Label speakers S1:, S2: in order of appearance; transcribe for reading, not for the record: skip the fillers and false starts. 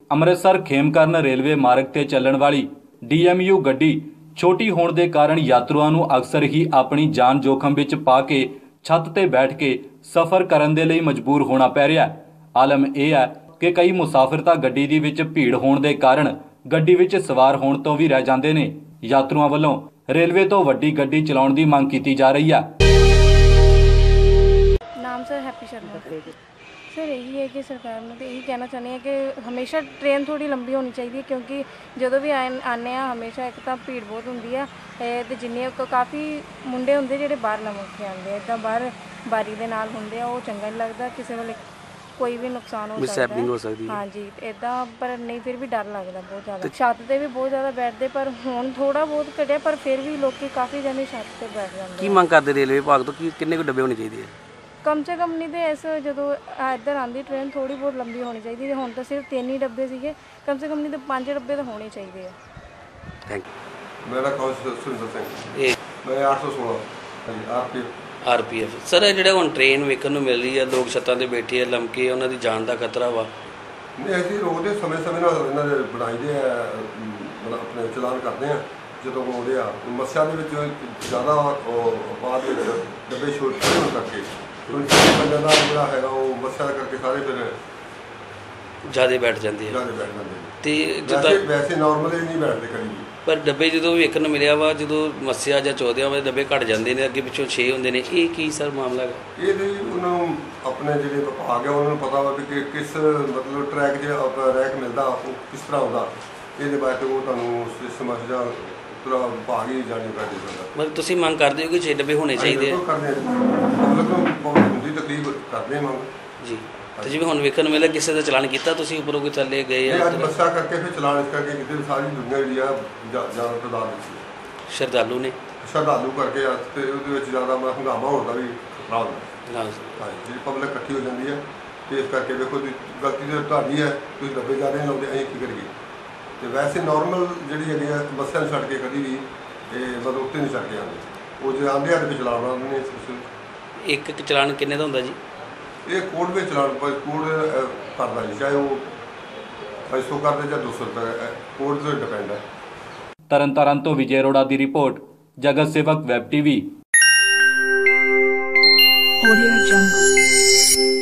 S1: Amritsar Khemkaran railway ਮਾਰਗ ਤੇ ਚੱਲਣ ਵਾਲੀ DMU ਗੱਡੀ ਛੋਟੀ ਹੋਣ ਦੇ ਕਾਰਨ ਯਾਤਰੂਆਂ ਨੂੰ ਅਕਸਰ ਹੀ ਆਪਣੀ ਜਾਨ जोखम ਵਿੱਚ ਪਾ ਕੇ ਛੱਤ ਤੇ ਬੈਠ ਕੇ ਸਫ਼ਰ ਕਰਨ ਦੇ ਲਈ ਮਜਬੂਰ ਹੋਣਾ ਪੈ ਰਿਹਾ ਹੈ। ਆਲਮ ਇਹ ਹੈ ਕਿ ਕਈ ਮੁਸਾਫਿਰ ਤਾਂ ਗੱਡੀ ਦੇ ਵਿੱਚ ਭੀੜ ਹੋਣ ਦੇ ਕਾਰਨ ਗੱਡੀ ਵਿੱਚ ਸਵਾਰ ਹੋਣ ਤੋਂ ਵੀ ਰਹਿ ਜਾਂਦੇ ਨੇ। ਯਾਤਰੂਆਂ ਵੱਲੋਂ ਰੇਲਵੇ ਤੋਂ ਵੱਡੀ ਗੱਡੀ ਚਲਾਉਣ ਦੀ ਮੰਗ ਕੀਤੀ ਜਾ ਰਹੀ ਹੈ।
S2: नाम सर हैप्पी शर्मा। सर यही है कि सरकार में तो यही कहना चाहते हैं कि हमेशा ट्रेन थोड़ी लंबी होनी चाहिए, क्योंकि जो भी आने हमेशा एक तो भीड़ बहुत होंगी है तो जिन्ने काफ़ी मुंडे होंगे जो बाहर नमक के आते हैं इदा बाहर बारी के नाल होंगे वो चंगा नहीं लगता, किसी वेले कोई भी नुकसान हो सकता है। हाँ जी इदा पर नहीं फिर भी डर लगता बहुत ज़्यादा। छत पर भी बहुत ज़्यादा बैठते पर हुण थोड़ा बहुत घटिया पर फिर भी लोग काफ़ी जने छत पर बैठ जाते हैं।
S3: की मंग करते रेलवे विभाग तो कि कितने को डब्बे होने चाहिए?
S2: कम से कम नहीं तो ऐसे जो इधर आती ट्रेन थोड़ी बहुत लंबी होनी चाहिए। हुण तो सिर्फ 3 ही डब्बे सीगे, कम से कम नहीं तो 5 डब्बे तो होने चाहिए।
S3: Thank you.
S4: मेरा नाम सुरिंदर सिंह, मैं 816
S3: RPF। सर ਜਿਹੜਾ ਹੁਣ ਟ੍ਰੇਨ ਵੇਖਣ ਨੂੰ ਮਿਲ ਰਹੀ ਹੈ, ਲੋਕ ਛੱਤਾਂ ਤੇ ਬੈਠੇ ਆ ਲੰਮਕੇ, ਉਹਨਾਂ ਦੀ ਜਾਨ ਦਾ ਖਤਰਾ ਵਾ।
S4: ਨਹੀਂ ਅਸੀਂ ਰੋਕਦੇ ਸਮੇਂ ਨਾਲ ਇਹਨਾਂ ਦੇ ਬਣਾਈਦੇ ਆ, ਆਪਣੇ ਚਲਾਨ ਕਰਦੇ ਆ ਜਦੋਂ ਆਉਂਦੇ ਆ। ਮੱਸਿਆ ਦੇ ਵਿੱਚ ਜ਼ਿਆਦਾ ਬਾਅਦ ਵਿੱਚ ਡੱਬੇ ਛੋਟੇ ਹੋਣ ਕਰਕੇ ਬੰਦਿਆਂ ਦਾ ਜਿਹੜਾ ਹੈਗਾ ਉਹ ਮੱਸਿਆ ਕਰਕੇ ਸਾਰੇ ਫਿਰ
S3: ਜ਼ਿਆਦਾ ਬੈਠ ਜਾਂਦੇ ਆ ਤੇ ਜਿੱਦਾਂ
S4: ਵੈਸੇ ਨਾਰਮਲੀ ਨਹੀਂ ਬੈਠਦੇ ਕਦੀ ਵੀ।
S3: ਪਰ ਡੱਬੇ ਜਦੋਂ ਵੇਖਣ ਨੂੰ ਮਿਲਿਆ ਵਾ, ਜਦੋਂ ਮੱਸਿਆ ਜਾਂ ਚੌਦਿਆਂ ਵਜੇ ਡੱਬੇ ਘੱਟ ਜਾਂਦੇ ਨੇ, ਅੱਗੇ ਪਿੱਛੋਂ 6 ਹੁੰਦੇ ਨੇ, ਇਹ ਕੀ ਸਰ ਮਾਮਲਾ ਹੈ? ਇਹ
S4: ਵੀ ਉਹਨਾਂ ਨੂੰ ਆਪਣੇ ਜਿਹੜੇ ਵਿਭਾਗ ਆ ਉਹਨਾਂ ਨੂੰ ਪਤਾ ਵਾ ਕਿ ਕਿਸ ਮਤਲਬ ਟਰੈਕ 'ਚ ਆਪਣਾ ਰੈਕ ਮਿਲਦਾ ਉਹ ਕਿਸ ਤਰ੍ਹਾਂ ਆਉਂਦਾ, ਇਹਦੇ ਬਾਰੇ ਉਹ ਤੁਹਾਨੂੰ ਸਿਸਟਮ ਜਾਂ ਪੂਰਾ ਵਿਭਾਗ ਹੀ ਜਾਣੀ ਪੈਂਦੀ ਬੰਦਾ।
S3: ਮਤਲਬ ਤੁਸੀਂ ਮੰਗ ਕਰਦੇ ਹੋ ਕਿ 6 ਡੱਬੇ ਹੋਣੇ ਚਾਹੀਦੇ ਆ?
S4: ਕਰਦੇ ਪਬਲਿਕ ਨੂੰ ਬਹੁਤ ਹੁੰਦੀ ਤਕਲੀਫ ਕਰਦੇ ਮੰਗ ਜੀ।
S3: ਤੇ ਜਿਵੇਂ ਹੁਣ ਵੇਖਣ ਨੂੰ ਮਿਲਿਆ ਕਿਸੇ ਦਾ ਚਲਾਨ ਕੀਤਾ ਤੁਸੀਂ, ਉੱਪਰੋਂ ਕੋਈ ਥੱਲੇ ਗਏ ਆ?
S4: ਅੱਜ ਮੱਸਿਆ ਕਰਕੇ ਫਿਰ ਚਲਾਨ ਇਸ ਕਰਕੇ ਕਿਤੇ ਸਾਰੀ ਦੁਨੀਆ ਜਿਹੜੀ ਆ ਜ਼ਿਆਦਾ ਤਾਦਾਦ ਵਿੱਚ
S3: ਸ਼ਰਧਾਲੂ ਨੇ
S4: ਸ਼ਰਧਾਲੂ ਕਰਕੇ ਤੇ ਉਹਦੇ ਵਿੱਚ ਜ਼ਿਆਦਾ ਹੰਗਾਮਾ ਹੋਣ ਦਾ ਵੀ ਖਤਰਾ ਹੁੰਦਾ।
S3: ਹਾਂ
S4: ਜਿਹੜੀ ਪਬਲਿਕ ਇਕੱਠੀ ਹੋ ਜਾਂਦੀ ਹੈ ਤੇ ਇਸ ਕਰਕੇ ਵੇਖੋ ਗਲਤੀ ਤਾਂ ਤੁਹਾਡੀ ਹੈ, ਤੁਸੀਂ ਡੱਬੇ ਜ਼ਿਆਦਾ ਨਹੀਂ ਲਾਉਂਦੇ, ਅਸੀਂ ਕੀ ਕਰੀਏ। ਤੇ ਵੈਸੇ ਨਾਰਮਲ ਜਿਹੜੀ ਹੈਗੀ ਆ ਬੱਸਾਂ ਨੂੰ ਛੱਡ ਕੇ ਕਦੀ ਵੀ ਇਹ ਮਤਲਬ ਉੱਤੇ ਨਹੀਂ ਛੱਡ ਕੇ ਆਉਂਦੇ, ਉਹ ਜੇ ਆਉਂਦੇ ਆ ਤੇ ਫਿਰ ਚਲਾਉਣਾ ਉਹਨਾਂ ਨੇ।
S3: ਇੱਕ ਚਲਾਨ ਕਿੰਨੇ ਦਾ ਹੁੰਦਾ ਜੀ?
S4: ਇਹ ਕੋਡ ਵਿੱਚ ਚਲਾਨ ਕੋਡ ਕਰਦਾ ਜੀ, ਚਾਹੇ ਉਹ 500 ਕਰਦੇ ਜਾਂ 200 ਰੁਪਏ, ਕੋਡ 'ਤੇ ਡਿਪੈਂਡ ਹੈ।
S1: ਤਰਨਤਾਰਨ ਤੋਂ ਵਿਜੇ ਅਰੋੜਾ ਦੀ ਰਿਪੋਰਟ, ਜਗਤ ਸੇਵਕ ਵੈਬ TV।
S5: Audio Jungle।